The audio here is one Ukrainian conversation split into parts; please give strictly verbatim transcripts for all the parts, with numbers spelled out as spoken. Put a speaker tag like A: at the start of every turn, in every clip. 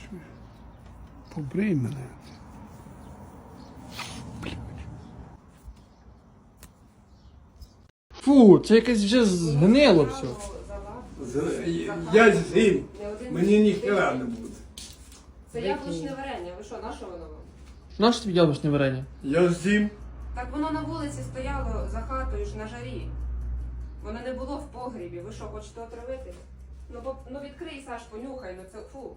A: Побрий мене.
B: Фу, це якесь вже згнило все.
A: Я з'їм. Мені ніхера не буде.
C: Це яблучне варення. Ви що, на що воно вам?
B: Нащо тобі яблучне варення?
A: Я з'їм.
C: Так воно на вулиці стояло за хатою ж на жарі. Воно не було в погрібі. Ви що, хочете отравити? Ну, бо, ну відкрий, Саш, понюхай, ну це фу.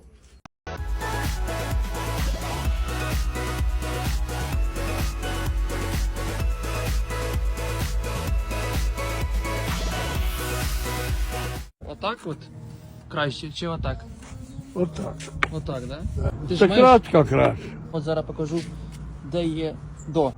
B: Отак от? Краще, чи отак?
A: Отак.
B: Отак, да? Ти ж
A: Це
B: маєш...
A: кратка краще.
B: От зараз покажу, де є до.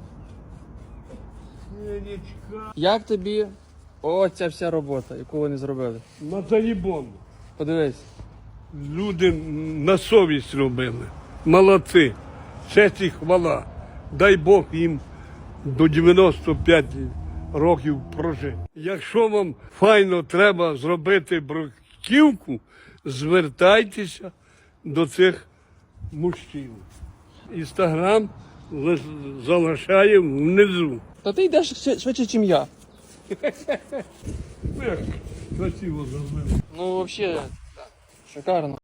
B: Як тобі оця вся робота, яку вони зробили?
A: На заїбон.
B: Подивись.
A: Люди на совість робили. Молодці. Честь і хвала. Дай Бог їм до дев'яноста п'яти років прожити. Якщо вам файно треба зробити бруківку, звертайтеся до цих мужчин. Інстаграм залишаємо внизу.
B: Та ти йдеш ще- швидше, ніж я.
A: Як красиво зробили.
B: Ну, взагалі, шикарно.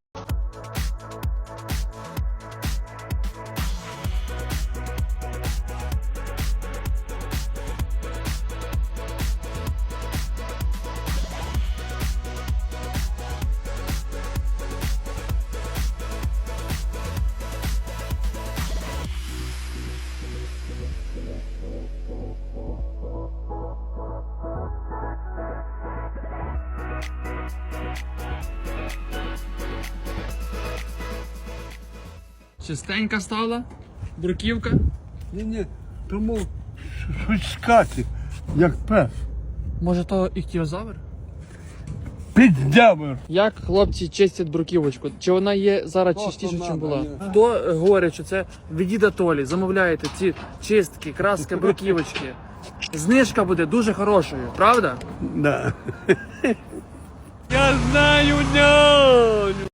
B: Чистенька стала, бруківка.
A: Ні-ні, тому щось скати, як пес.
B: Може то іхтіозавр?
A: Піддявер.
B: Як хлопці чистять бруківочку? Чи вона є зараз
A: Просто
B: чистіше, ніж
A: надо,
B: була?
A: ні.
B: Хто говорить, що це від діда Толі? Замовляєте ці чистки, краски, бруківочки. Знижка буде дуже хорошою, правда?
A: Да. Я знаю, няню.